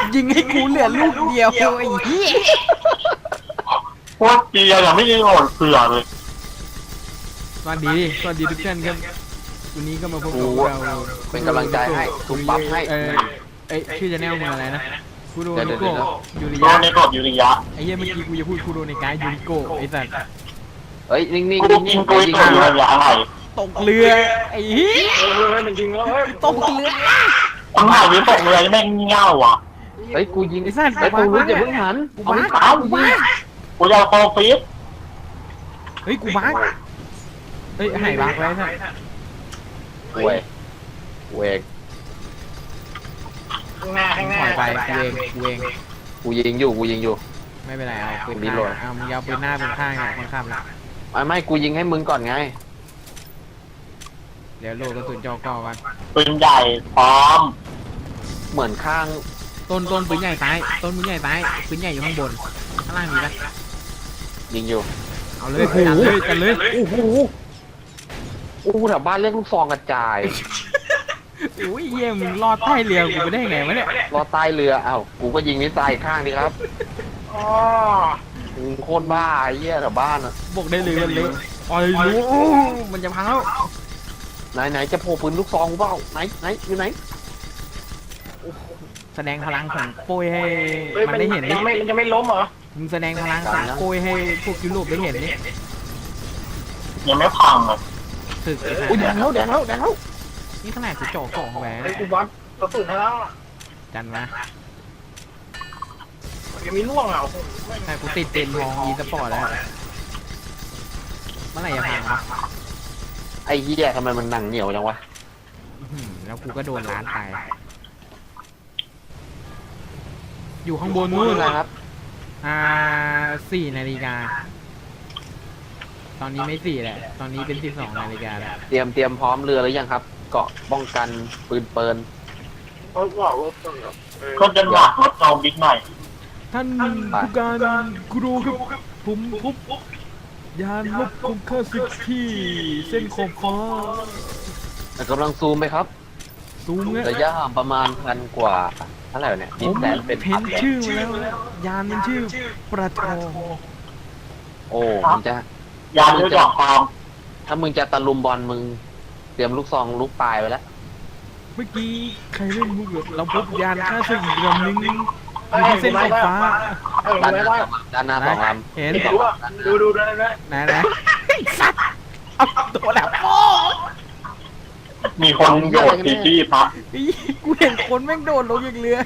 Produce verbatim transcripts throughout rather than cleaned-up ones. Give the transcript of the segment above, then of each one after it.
ยิงให้กูเหลือลูกเดียวไอ้เหี้ยโคตรเกลียร์อย่างไม่ได้โหดเสือเลยสวัสดีสวัสดีทุกท่านครับวันนี้ก็มาพบกับเราเป็นกำลังใจให้ทุกปั๊บให้เออเอ้ยชื่อจะแนวมึงอะไรนะคูโรนิโกะยูริโดยะนในกรอบยูริยะไอ้เหี้ยเมื่อกี้กูจะพูดคูโรนิกายยูริโกะไอ้สัสเฮ้ยนิ่งๆนิ่งกูๆกินิ่นงกูๆยิยิงงยูริยะอะไรตกเรือไอ้เหี้ยเออมันจริงแล้วเฮ้ยตกเรือมึงหายไปตกเลยแม่งเง่าอ่ะเฮ้ยกูยิงไอ้สัสไอ้ตูรู้อย่าเพิ่งหันกูเอาบ้าไม่ตายกูบ้ากูจะเอาโคฟิสเฮ้ยกูบ้าเฮ้ยหายบ้าไว้สัสเวยเวกข้างหน้าข้างหน้าปล่อยไปกูเองกูเองกูยิงอยู่กูยิงอยู่ไม่เป็นไรเอาปืนรีข้าโหลงดเอามึงเอาปืนหน้าปืนข้างอ่ะคนข้ามละไม่ไม่กูยิงให้มึงก่อนไงเดี๋ยวโหลดกระสุนจอกอกันปืนใหญ่พร้อมเหมือนข้างต้นต้นปืนใหญ่ซ้ายต้นปืนใหญ่ซ้ายปืนใหญ่อยู่ข้างบนข้างล่างมีปะยิงอยู่เอาเลยจัดเลยจัดเลยโอ้โหโอ้โหแถวบ้านเรียกลูกซองกระจายอุ้ยเยี่ยมึงรอดใต้เรือกูไปได้ไงวะเนี่ยรอใต้เรือเอ้ากูก็ยิงนี่ตายข้างดีครับอ๋อมึงโคตรบ้าไอ้เหี้ยแถวบ้านอ่ะบอกได้เลยมันเละอ๋อยรู้มันจะพังแล้วไหนไหนจะโผล่ปืนลูกซองกูเปล่าไหนไหนอยู่ไหนแสดงพลังของโป้ยให้เฮ้ยมัมัน นได้เห็นดิยังไม่มันจะไม่ล้มเหรอมึงแสดงพลังของโป้ยให้พวกยุโรปได้เห็นดิยังไม่พังเลยถึกไอ้สัอุ้ยแดสงแล้วแดงแล้วแดงแล้วนี่ขนาดกูจ่อกล่องเข้าไปไอ้กูวัดกระสุนให้แล้วจันมายังมีล่วงอ่ะโอ้โหแม่งแต่กูติดเต็นทองอีสปอร์ตแล้วเมื่อไหร่จะพังวะไอ้เหี้ยทำไมมันหนังเหนียวจังวะอื้อหือแล้วกูก็โดนล้านไปอยู่ข้างบนนู่นนะครับอ่าสี่นาฬิกาตอนนี้ไม่สี่แหละตอนนี้เป็นสิบสองนาฬิกาแล้วเตรียมเตรียมพร้อมเรือหรือยังครับ เกาะป้องกันปืนเปิลเขาบอกว่าต้องแบบเออก็จะหนักรถเอาบิ๊กหน่อยท่านผู้การครูครับผมพบยานลบของข้าศึกที่เส้นขอบฟ้าแต่กำลังซูมไปครับสูงเนี่ยระยะห่างประมาณพันกว่าเท่าไหร่เนี่ยผดินมแดนเป็นเห็นชื่อมาแล้ว ยานมันชื่อประทองโอ้มึงจะยานด้วยดอกทองถ้ามึงจะตะลุมบอลมึง เตรียมลูกซองลูกปลายไปแล้วเมื่อกี้ใครเล่นมุกเหรอเราพบยานข้าศึกอีกลำนึงอยู่ที่เส้นขอบฟ้าเออด้านไม่หน้าว่าด้านหน้าสองลเห็นเห็นว่าดูดูดูนะไหนไหนสัตว์เอาตัวแล้วโอ้มีคนโดดทีชีพครับยกูเห็นคนแม่งโดดลงจากเรือ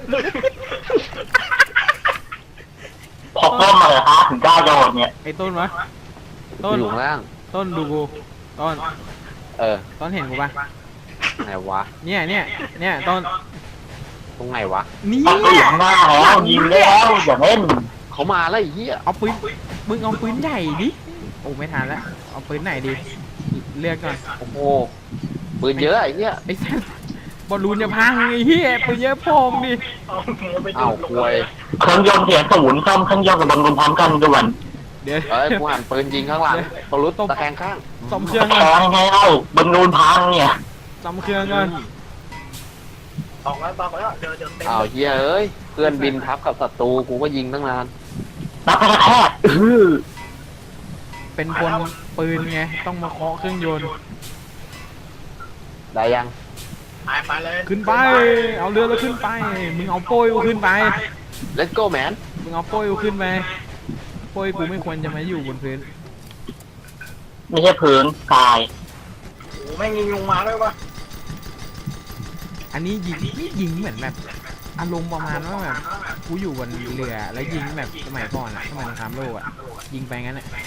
พอก้มมาเลยฮะถึงกล้าโดดเนี่ยไอ้ต้นวะำต้นอยู่ข้างล่างต้นดูกูต้นเออต้นเห็นกูปะไหนวะเนี่ยเนี่ยเนี่ยต้นตรงไหนวะนี่มันก็อยู่ข้างหน้าแล้วยิงได้แล้วอย่าเล่นเขามาแล้วไอ้เหี้ยเอาปืนมึงเอาปืนใหญ่ดิโอ้ไม่ทันแล้วเอาปืนไหนดีเลือกก่อนโอ้โหปืนเยอะไอ้เหี้ยไอ้สัสบอลลูนจะพังไอ้เหี้ยปืนเยอะพองดิเอาไปอ้าวควยเครื่องยนต์เสียศูนย์ซ่อมเครื่องยนต์กับบอลลูนพร้อมกันด่วนเดี๋ยวเอ้ยกูหันปืนยิงข้างหลังตะลุตะแคงข้างซ่อมเครื่องแพก่อนงไงเอ้าบอลลูนพังเนี่ยซ่อมเครื่องก่อนออกแล้วบอกแล้วเดี๋ยวเดี๋ยวเต็มอ้าวเหี้ยเอ้ยเพื่อนบินทับกับศัตรูกูก็ยิงตั้งนานนับไปกระแทกอื้อเป็นคนปืนไงต้องมาเคาะเครื่องยนต์ได้ยังไปไปเลยขึ้นไป เอาเรือแล้วขึ้นไปมึงเอาโป้ยกูขึ้นไป let's go man มึงเอาโป้ยกูขึ้นไปโป้ยกูไม่ควรจะมาอยู่บนพื้นไม่ใช่พื้นกายโอ้แม่งยิงลงมาด้วยวะอันนี้ยิงยิงเหมือนแบบอารมณ์ประมาณว่าแบบกูอยู่บนเรือแล้วยิงแบบสมัยก่อนอะสมัยสงครามโลกอะยิงไปงั้นอะ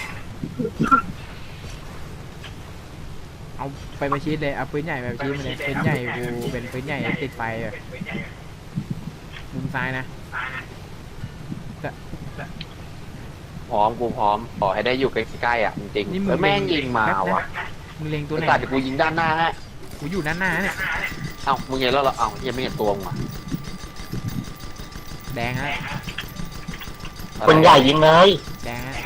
เอาไปประชิดเลยเอาปืนใหญ่ไปประชิดมาเลยปืนใหญ่กูเป็นปืนใหญ่ติดไฟเลยมุมซ้ายนะพร้อมกูพร้อมขอให้ได้อยู่ใกล้ๆอ่ะจริงๆแล้วแม่งยิงมาว่ะมึงเล็งตัวไอ้ไหนสัตว์กูยิงด้านหน้าฮะกูอยู่ด้านหน้าเนี่ยเอ้ามึงเห็นแล้วเหรอเอ้ายังไม่เห็นตัวมึงอ่ะแดงฮะปืนใหญ่ยิงเลยแดงฮะ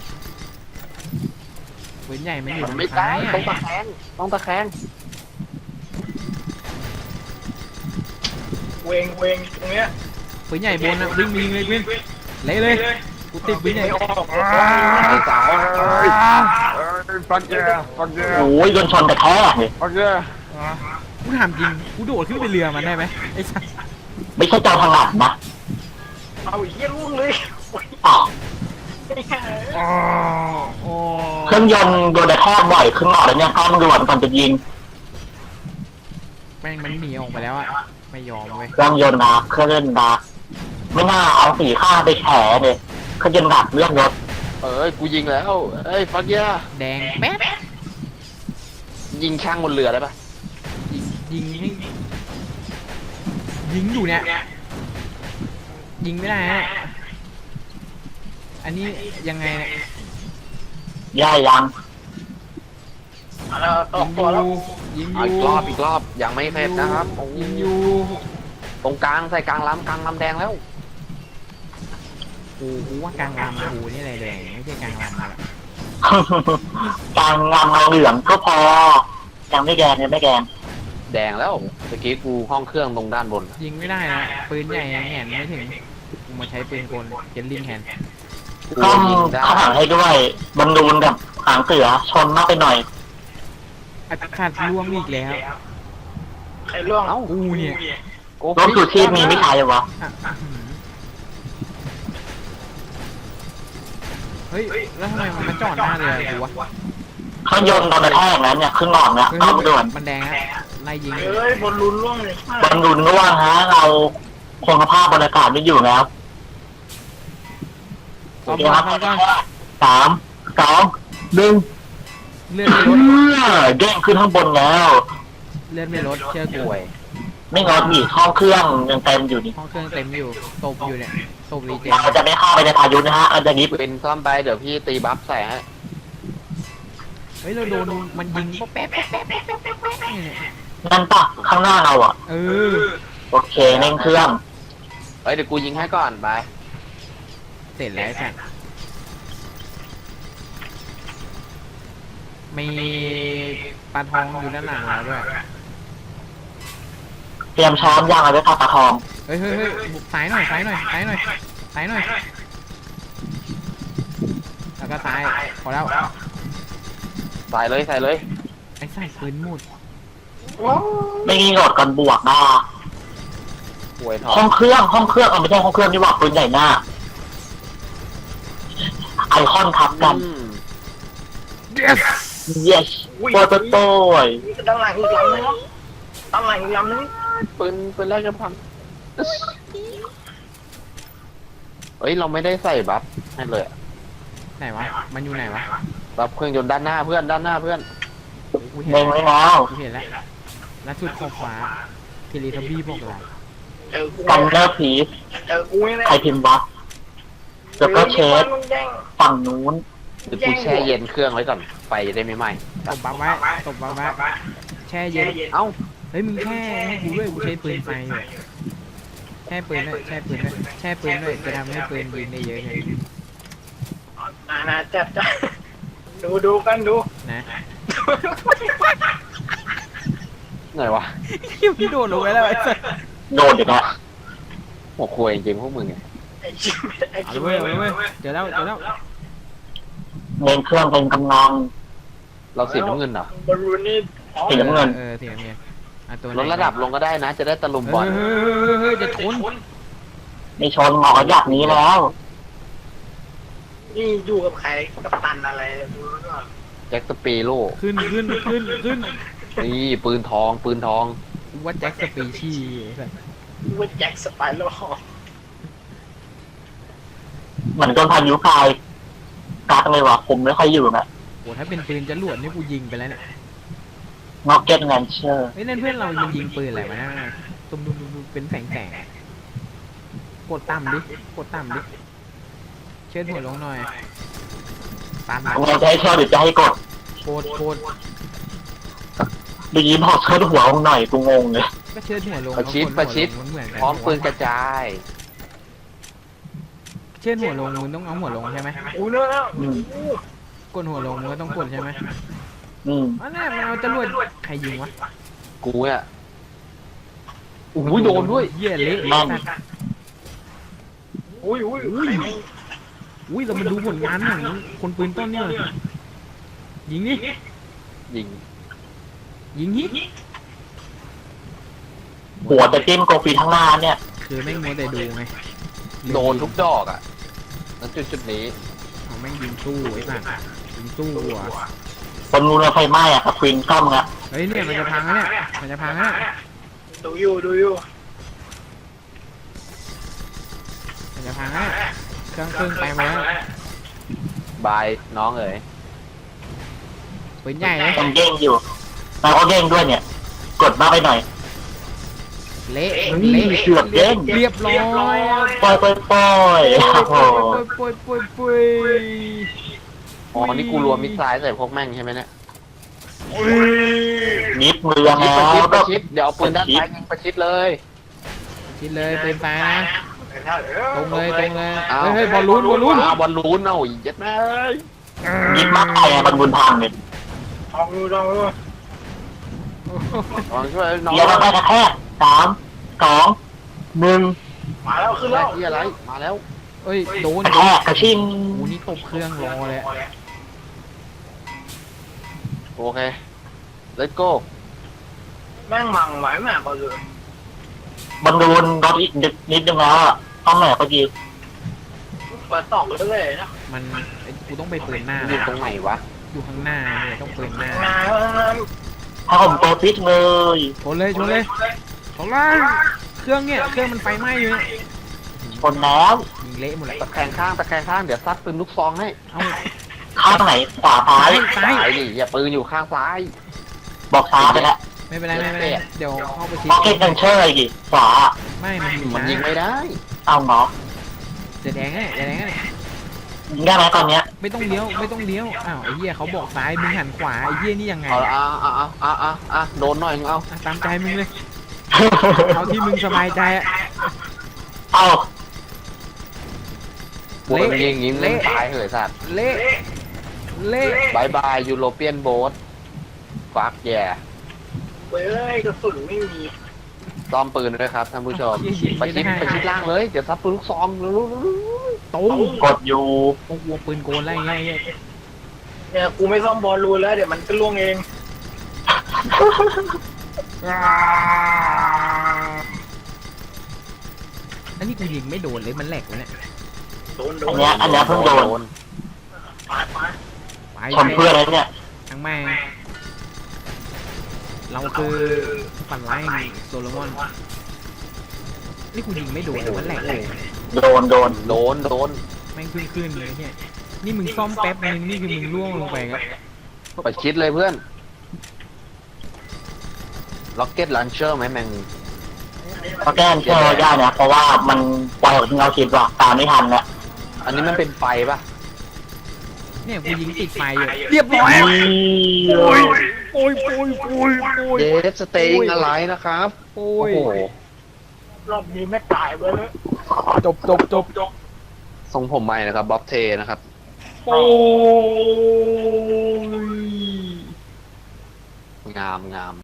ปืนใหญ่มันอยู่มันทางไม่ซ้าได้ยอะต้องตะแคงต้องตะแคงเวงเวงตรงเนี้ยปืนใหญ่บนนะวิ่งมีเลยเพื่อนเละเลยกูติดปืนใหญ่ไอ้สาวฟังเจอฟังเจอโอ้ยโดนชนกระแทกเลยฟังเจอกูถามจริงกูโดดขึ้นไปเรือมันได้ไหมไอ้สัสไม่ใช่เจ้าถนัดนะเอาอีกเหี้ยล่วงเลยโอ้ยอ๋อไม่ใช่อ๋อโอ้เครื่องยนต์โดนกระแทกบ่อยขึ้นหลอดแล้วเนี่ยก้อนด่วนก่อนจะยิงแม่งมันหนีออกไปแล้วอะไม่ยอมเว้ยเครื่องยนต์นะเครื่องยนต์นะไม่น่าเอาสีข้างไปแฉเลยเครื่องยนต์หนักเรื่องรถเอ้ยกูยิงแล้วเอ้ยฟังเจอแดงแป๊ดยิงช่างบนเรือได้ปะยิงให้ยิงอยู่เนี่ยยิงไม่ได้ฮะอันนี้ยังไงเนี่ยย่ายังเอาแล้วตยิกงอตัวแล้วยู่ยิงอเอาอียู่กรอบอีกรอบยังไม่เสร็จนะครับโอ้ยิงอยู่ตรงกลางใส่กลางลำกลางลำแดงแล้วกูกูว่ากลางลำกูนี่อะไรแดงไม่ใช่กลางลำอะกลางงามเงาเหลืองก็พอยังไม่แดงยังไม่แดงแดงแล้วเมื่อกี้กูห้องเครื่องตรงด้านบนยิงไม่ได้นะปืนใหญ่แหนไม่ถึงกูมาใช้ปืนกลเจนลิงแฮนกูต้องยิงได้ข้างหลังให้ด้วยบอลลูนกับหางเสือชนมากไปหน่อยอากาศร่วงอีกแล้วใครล่วงเอ้ากูเนี่ยโอ้รถสูชีพมีไม่ใช่เหรอวะอ่ะอื้อหือเฮ้ยแล้วทำไมมันมาจอดหน้าเรือกูวะเครื่องยนต์โดนกระแทกแล้วเนี่ยขึ้นหลอดเนี่ยเฮ้ยเอาด่วนมันแดงอะไล่ยิงเอ้ยบนลุนล่วงเลยบอลลูนร่วงฮะเราคงสภาพบรรยากาศไม่อยู่แล้วพร้อมเดี๋ยวก่คอรันบพร้อมก่อนสามสองหนึ่งเลื่อนไม่ลดเด้งขึ้นข้างบนแล้วเลื่อนไม่ลดเชื่อกูป่วยไม่งออีกห้องเครื่องยังเต็มอยู่นี่ห้องเครื่องเต็มอยู่ตบอยู่เนี่ยตบรีเจนเราจะไม่เข้าไปในพายุนะฮะเอาอย่างนี้เป็นซ่อมไปเดี๋ยวพี่ตีบัฟใส่ให้เฮ้ยเราโดนมันยิงป๊อปแป๊บแป๊บแป๊บแป๊บแป๊บแป๊บแป๊บเนี่ยนั่นปะข้างหน้าเราอ่ะเออโอเคเร่งเครื่องเอ้ยเดี๋ยวกูยิงให้ก่อนไปเสร็จแล้วสัตว์มีปลาทองอยู่ด้านหลังเราด้วยเตรียมช้อมย่างเอาไว้ทอดปลาทองเฮ้ยเฮ้ยเฮ้ยบุกซ้ายหน่อยซ้ายหน่อยซ้ายหน่อยซ้ายหน่อยแล้วก็ซ้ายพอแล้วใส่เลยใส่เลยไอ้ใส่ปืนหมุดไม่มีโหลดก่อนบวกนะป่วยทอห้อง งเครื่องห้องเครื่องเอาไม่ใช่ห้องเครื่องนี่หว่าปืนใหญ่หน้าไอคอนทับกันอืม yes โปรโตโต้ยด้านหลังอีกลำนึงด้านหลังอีกลำนึงปืนปืนแรกจะพังเฮ้ยเราไม่ได้ใส่บัฟให้เลยอะไหนวะมันอยู่ไหนวะบัฟเครื่องยนต์ด้านหน้าเพื่อนด้านหน้าเพื่อนกูเห็นเล็งไว้แล้วกูเห็นแล้วล่าสุดขอบฟ้าเทเลทบี้บอกอะไรเจอกูกันเนอร์พีซเจอกูนี่แหละใครพิมพ์วะแล้วก็เชฟมึงแย่งฝั่งนู้นเดี๋ยวกูแช่เย็นเครื่องไว้ก่อนไฟจะได้ไม่ไหม้ตบบัฟไว้ตบบัฟไว้แช่เย็นเอ้าเฮ้ยมึงแช่ให้กูด้วยกูใช้ปืนไฟอยู่แช่ปืนด้วยแช่ปืนด้วยแช่ปืนด้วยจะทำให้ปืนยิงได้เยอะเลยนานาจับจับดูดูกันดูนะไหนวะคิวโดดลงไปแล้วไอ้สัสโดนอยู่นะหัวควยจริงๆพวกมึงไงไอ้ชิบไอ้เอาชิบเว้ยเอาเว้ยเดี๋ยวแล้วเดี๋ยวแล้วเล็งเครื่องเป็นกำลังเราสีน้ำเงินเหรอบอลลูนนี่สีน้ำเงินเออสีน้ำเงินอ่ะตัวไหนลดระดับลงก็ได้นะ จะได้ตะลุมบอลเฮ้ยเฮ้ยเฮ้ยจะชนไม่ชนหมออยากหนี้แล้วนี่อยู่กับใครกับตันอะไรดูแล้วก็แจ็คสเปีโร่ขึ้นขึ้นขึ้นขึ้นนี่ปืนทองปืนทองว่าแจ็คสปีชีส์ไอ้สัสว่าแจ็คสไปโร่เหมือนโดนพายุพายกากเลยวะผมไม่ค่อยอยู่นะโหถ้าเป็นปืนจรวดนี่กูยิงไปแล้วเนี่ยงอกเก็ตแมนเชอร์เฮ้ยนั่นเพื่อนเรามันยิงปืนอะไรมานะตุ้มตุ้มตุ้มตุ้มเป็นแสงแสงกดต่ำดิกดต่ำดิเชิดหัวลงหน่อยตามเราจะให้เช่าหรือจะให้กดโกดโกดดูยิ้มบอกเชิดหัวลงหน่อยกูงงเลยก็เชิดหัวลงประชิดแล้วกประชิดหัวลงมันเหมือนกันพร้อมปืนกระจายเชิดหัวลงมึงต้องเอาหัวลงใช่ไหมกูเนื้อแล้วอืมกดหัวลงมึงก็ต้องกดใช่ไหมอืมอ๋อนี่นมันเอาจรวดใครยิงวะกูเนี่ยโอ้ยโดนด้วยเหี้ยเละนั่นสัตว์อุ้ยอุ้ยอุ้ยอุ้ยเรามาดูผลงานของคนปืนต้นเนี่ยยิงดิยิงยิงฮิหัวจะจิ้มโกฟีทั้งหน้าเนี่ยคือแม่งมัวแต่ดูไงโดนทุกดอกอ่ะนั่นจุดจุดนี้เอาแม่งยิงสู้ไอ้สัสยิงสู้หัวคนรู้แล้วไฟไหม้อะกับควินซ่อมอะเฮ้ยเนี่ยมันจะพังแล้วเนี่ยมันจะพังแล้วเนี่ยดูอยู่ดูอยู่มันจะพังแล้วเนี่ยเครื่องเครื่องไปหมาแล้วบายน้องเอ๋ยปืนใหญ่เลยยังเด้งอยู่แล้วก็เด้งด้วยเนี่ย กดมากไปหน่อยเละเละเละเกือบเด้งเรียบร้อยปล่อยปล่อยปล่อยโอ้โหปุยปุยปุยอ๋อนี่กูรวมมิสไซล์ใส่พวกแม่งใช่ไหมเนี่ยนิดมือประแล้ชิดประชิดปวก็ระชิดเดี๋ยวเอาปืนด้านซ้ายยิงประชิดเลยชิดเลยปืนฟ้านะตรงเลยตรงเลยอ้าวเฮ้ยเฮ้ยบอลลูนบอลลูนอ้าวบอลลูนเอาอีกเย็ดแม่เอ้ยนิดมากไปอะบรรบุญธรรมเนี่ยลองดูลองดูลองช่วยน้องเดี๋ยวเราไปกระแทกสามสองหนึ่งมาแล้วขึ้นแล้วที่อะไรมาแล้วเอ้ยโดนกระแทกกระชิงกูนี่ตบเครื่องรอเลยโอเค let's go แม่งมังไว้แม่บอลเลยบรรลุนรถอีกนิดนึงแล้วอะต้องไหนก็ดีเปิดตอกเลยเลยนะมันไอ้กูต้องไปปืนหน้าอยู่ตรงไหนวะอยู่ข้างหน้าเนี่ยต้องปืนหน้ามาถ้าผมโตฟิตเลยชนเลยชนเลยชนเลยเครื่องเนี่ยเครื่องมันไฟไหม้อยู่เนี่ยชนแล้วยิงเละหมดเลยตะแคงข้างตะแคงข้างเดี๋ยวซัดปืนลูกซองให้เอ้าข้างไหนขวาซ้ายซ้ายซ้ายดิอย่าปืนอยู่ข้างซ้ายบอกซ้ายไปแล้วไม่เป็นไรไม่เป็นไรเดี๋ยวเข้าไปชิดพ็อกเก็ตกันเชอร์อีกขวาไม่มันอยู่มันนะยิงไม่ได้เอาเนาะจะแดงไงจะแดงไงยิงได้ไหมตอนเนี้ยไม่ต้องเลี้ยวไม่ต้องเลี้ยวอ้าวไอ้เหี้ยเขาบอกซ้ายมึงหันขวาไอ้เหี้ยนี่ยังไงเอาอะเอาเอาเอาเอาเอาโดนหน่อยนึงเอาอ่ะตามใจมึงเลยเอาที่มึงสบายใจอะเอาปวดยิงยิงเล่นตายเหยสัตว์เละเละบายบายยูโรเปียนโบ๊ทฟักแย่เว้ยกระสุนไม่มีซ้อมปืนด้วยครับท่านผู้ชมไปชิดไปชิดล่างเลยเดี๋ยวซัดปืนลูกซองรู้ตุ้มกดอยู่โอ้โหปืนโกนอะไรเงี้ยไอ้เหี้ยเนี่ยกูไม่ซ่อมบอลลูนแล้วเดี๋ยวมันก็ล่วงเองอันนี้กูยิงไม่โดนเลยมันแหลกวะเนี่ยโดนโดอันนเนี้ยอันเนี้ยเพิ่งโดนไปไปไปชนเพื่อนแล้วเนี่ยทั้งแม่งเราคือฝันร้ายแห่งโซโลมอนนี่กูยิงไม่โดนเลยมันแหลกเลยโดนโดนโดนโดนแม่งขึ้นขึ้นเลยเนี่ยนี่มึงซ่อมแป๊บนึงนี่คือมึงล่วงลงไปครับไปชิดเลยเพื่อนล็อกเก็ตลันเชอร์ไหมแมงเขาแก้เชื่อยากนะเพราะว่ามันไวกว่าที่เราคิดว่ะตามไม่ทันแล้วอันนี้มันเป็นไฟปะเนี่ยกูยิงติดไฟอยู่เรียบร้อยโอ้ยโอ้ยโอ้ยโอ้ยโอ้ยเดฟสเตย์อะไรนะครับโอ้โอ้ยโหรอบนี้ไม่ตายไปเลยจบจบจบจบทรงผมใหม่นะครับบ๊อบเทนะครับโอ้ยงามงาม